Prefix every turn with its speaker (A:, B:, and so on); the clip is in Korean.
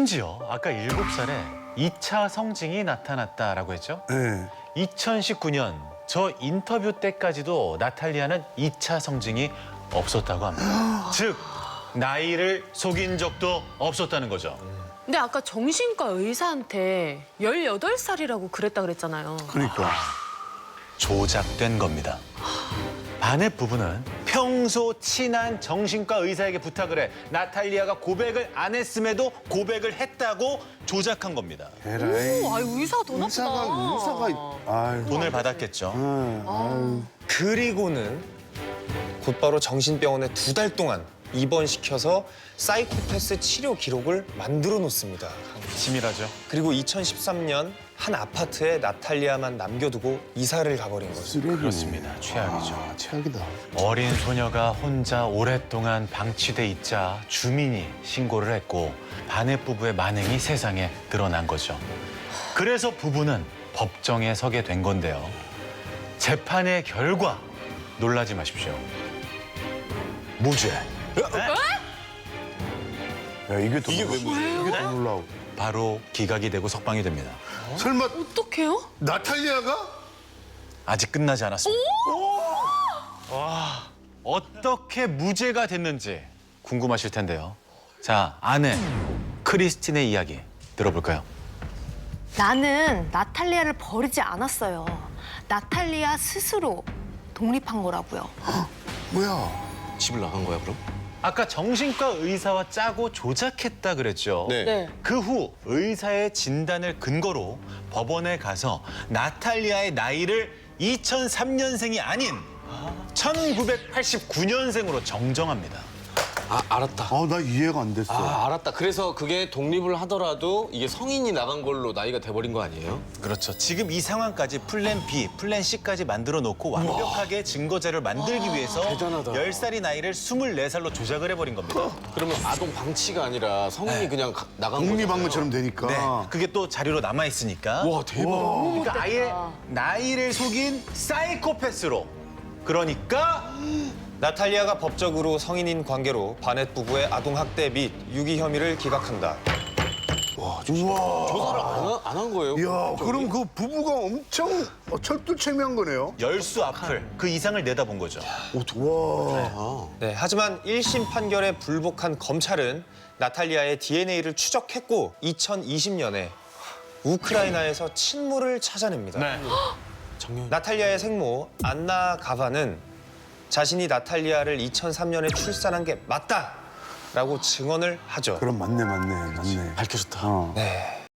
A: 심지어 아까 7살에 2차 성징이 나타났다라고 했죠?
B: 네.
A: 2019년 저 인터뷰 때까지도 나탈리아는 2차 성징이 없었다고 합니다. 즉, 나이를 속인 적도 없었다는 거죠.
C: 근데 아까 정신과 의사한테 18살이라고 그랬다 그랬잖아요.
B: 그러니까.
A: 조작된 겁니다. 바넷 부부는 평소 친한 정신과 의사에게 부탁을 해 나탈리아가 고백을 안 했음에도 고백을 했다고 조작한 겁니다.
B: 에라이.
C: 오, 아유, 의사가 더 나쁘다.
B: 의사가. 아유.
A: 돈을 받았겠죠.
B: 아유.
D: 그리고는 곧바로 정신병원에 2달 동안 입원시켜서 사이코패스 치료 기록을 만들어 놓습니다.
A: 치밀하죠.
D: 그리고 2013년 한 아파트에 나탈리아만 남겨두고 이사를 가버린 거죠.
B: 쓰레기네.
A: 그렇습니다. 최악이죠.
B: 아, 최악이다.
A: 어린 소녀가 혼자 오랫동안 방치돼 있자 주민이 신고를 했고 바넷 부부의 만행이 세상에 드러난 거죠. 그래서 부부는 법정에 서게 된 건데요. 재판의 결과 놀라지 마십시오. 무죄.
B: 야, 이게 더 이게 더 놀라워.
A: 바로 기각이 되고 석방이 됩니다.
B: 설마
C: 어떡해요?
B: 나탈리아가?
A: 아직 끝나지 않았습니다. 와, 어떻게 무죄가 됐는지 궁금하실 텐데요. 자, 아내 크리스틴의 이야기 들어볼까요?
E: 나는 나탈리아를 버리지 않았어요. 나탈리아 스스로 독립한 거라고요.
B: 뭐야?
F: 집을 나간 거야 그럼?
A: 아까 정신과 의사와 짜고 조작했다 그랬죠.
C: 네.
A: 그 후 의사의 진단을 근거로 법원에 가서 나탈리아의 나이를 2003년생이 아닌 1989년생으로 정정합니다.
F: 아 알았다.
B: 아, 나 이해가 안 됐어.
F: 아 알았다. 그래서 그게 독립을 하더라도 이게 성인이 나간 걸로 나이가 돼버린 거 아니에요?
A: 그렇죠. 지금 이 상황까지 플랜 B, 플랜 C까지 만들어 놓고 완벽하게 증거자를 만들기 위해서
F: 대단하다.
A: 10살이 나이를 24살로 조작을 해버린 겁니다.
F: 그러면 아동 방치가 아니라 성인이 그냥 나간 거잖아요.
B: 독립한 것처럼 되니까.
A: 네, 그게 또 자료로 남아 있으니까.
F: 와 대박.
A: 그러니까 아예 나이를 속인 사이코패스로. 그러니까
D: 나탈리아가 법적으로 성인인 관계로 바넷 부부의 아동학대 및 유기 혐의를 기각한다.
B: 우와.
F: 조사를 안 한 거예요?
B: 야, 그럼 그 부부가 엄청 철두철미한 거네요.
A: 열수 앞을 그 이상을 내다본 거죠.
B: 와.
D: 네, 하지만 1심 판결에 불복한 검찰은 나탈리아의 DNA를 추적했고 2020년에 우크라이나에서 친모를 찾아냅니다.
F: 작년.
D: 나탈리아의 생모 안나 가바는 자신이 나탈리아를 2003년에 출산한 게 맞다라고 증언을 하죠.
B: 그럼 맞네.
F: 밝혀졌다.
B: 어.
D: 네.